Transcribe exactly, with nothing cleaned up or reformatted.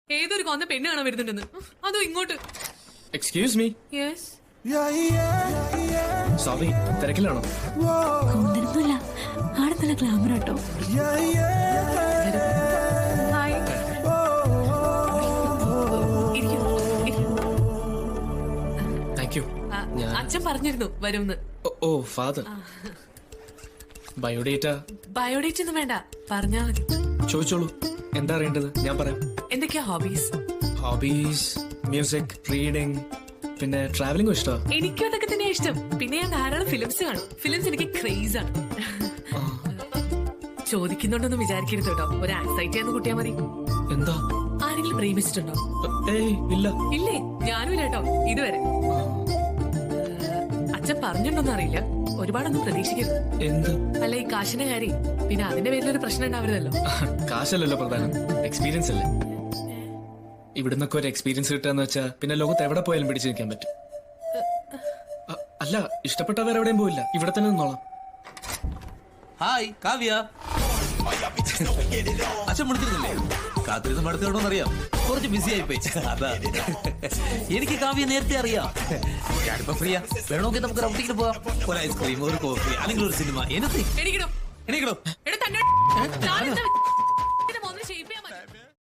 ഏതൊരു കൊന്ന പെണ്ണ് കാണാൻ വരുന്നുണ്ടെന്ന്, അതോ ഇങ്ങോട്ട്. Excuse me. യെസ്. സോറി, തിരക്കിലാണോ? കൊണ്ടൊന്നുമില്ല, ആടെ നല്ല ഗ്ലാമർ കേട്ടോ. ഹായ്. Thank you. അച്ഛൻ പറഞ്ഞിരുന്നു വരുമെന്ന്. ഓ ഫാദർ. ബയോഡേറ്റ? ബയോഡേറ്റ് ഒന്നും വേണ്ട, പറഞ്ഞാ മതി. ചോദിച്ചോളൂ, എന്താ അറിയേണ്ടത്? ഞാൻ പറയാം. എന്തൊക്കെയാ ഹോബീസ്? ഹോബീസ് മ്യൂസിക്, റീഡിങ്, പിന്നെ ട്രാവലിംഗ് ഇഷ്ടമാണ്. എനിക്കും അതൊക്കെ തന്നെ ഇഷ്ടം. പിന്നെ ഞാൻ ധാരാളം ഫിലിംസ് കാണും. ഫിലിംസ് എനിക്ക് ക്രേസ് ആണ്. ചോദിക്കുന്നുണ്ടോന്നും വിചാരിക്കരുത് കേട്ടോ, ഒരു ആൻസൈറ്റി ആണെന്ന് കൂട്ടിയാ മതി. എന്താ? ആരെങ്കിലും പ്രേമിച്ചിട്ടുണ്ടോ? ഏയ് ഇല്ല. ഇല്ലേ? ഞാനും ഇല്ല കേട്ടോ ഇതുവരെ. അച്ഛൻ പറഞ്ഞിട്ടുണ്ടോന്ന് അറിയില്ല, ഒരുപാടൊന്നും പ്രതീക്ഷിക്കരുത്. എന്ത്? അല്ല, ഈ കാശിന്റെ കാര്യം, പിന്നെ അതിന്റെ പേരിലൊരു പ്രശ്നം ഉണ്ടാവരുതല്ലോ. കാശല്ലല്ലോ പ്രധാനം, എക്സ്പീരിയൻസ് അല്ലേ. ഇവിടുന്നൊക്കെ ഒരു എക്സ്പീരിയൻസ് കിട്ടാന്ന് വെച്ചാ പിന്നെ ലോകത്ത് എവിടെ പോയാലും പിടിച്ചു നിൽക്കാൻ പറ്റും. അല്ല, ഇഷ്ടപ്പെട്ട വേറെ എവിടെയും പോയില്ല, ഇവിടെ തന്നെ നിന്നോളാം. ഹായ് കാവ്യ. അച്ഛൻ വിളിച്ചിരുന്നില്ലേ? കാത്തിരുന്ന് മടുത്തോണ്ടോന്നറിയാം, കുറച്ച് ബിസി ആയിപ്പോയി. അതാ എനിക്ക് കാവ്യ നേരത്തെ അറിയാം. ഞാനിപ്പോ ഫ്രീയാ, വേണമെങ്കിൽ നമുക്ക് റൗണ്ടിങ്ങിന് പോവാം. ഒരു ഐസ്ക്രീം, ഒരു കോഫി, അല്ലെങ്കിൽ ഒരു സിനിമ. എനിക്ക് എണീക്കണോ? എടാ, തന്നെ